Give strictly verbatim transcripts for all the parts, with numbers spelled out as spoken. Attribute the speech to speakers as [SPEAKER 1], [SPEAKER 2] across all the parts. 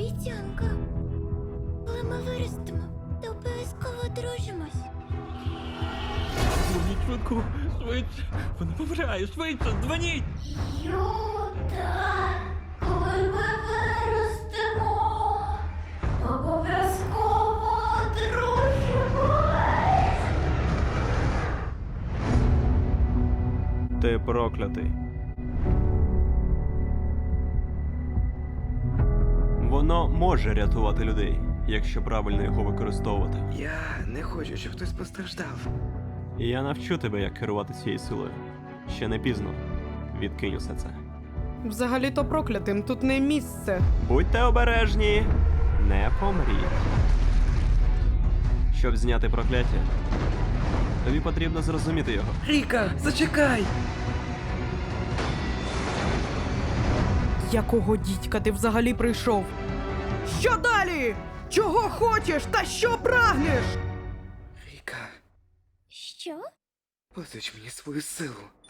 [SPEAKER 1] обіцянка. Коли ми виростемо, то обов'язково одружимось.
[SPEAKER 2] Дзвоніть швидко, швидше. Вона помирає, швидше, дзвоніть!
[SPEAKER 1] Юта, коли ми виростемо, обов'язково одружимось.
[SPEAKER 3] Ти проклятий. Воно може рятувати людей, якщо правильно його використовувати.
[SPEAKER 4] Я не хочу, щоб хтось постраждав.
[SPEAKER 3] І я навчу тебе, як керувати цією силою. Ще не пізно. Відкинь усе це.
[SPEAKER 5] Взагалі-то проклятим тут не місце.
[SPEAKER 3] Будьте обережні, не помріть. Щоб зняти прокляття, тобі потрібно зрозуміти його.
[SPEAKER 4] Ріка, зачекай!
[SPEAKER 5] Якого дідька ти взагалі прийшов? Що далі? Чого хочеш та що прагнеш?
[SPEAKER 4] Ріка,
[SPEAKER 1] Що?
[SPEAKER 4] позич мені свою силу.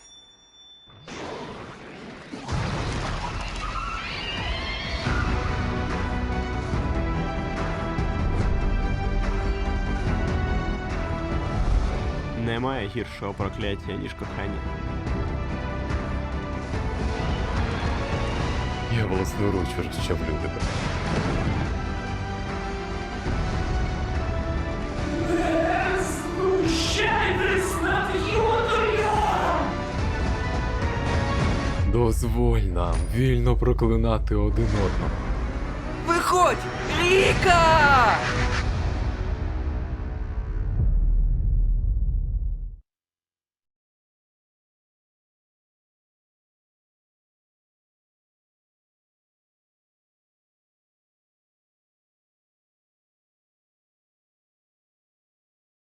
[SPEAKER 3] Немає гіршого прокляття, ніж кохання.
[SPEAKER 6] Я власноруч розчавлю тебе. Дозволь нам вільно проклинати один одного.
[SPEAKER 4] Виходь! Ріка!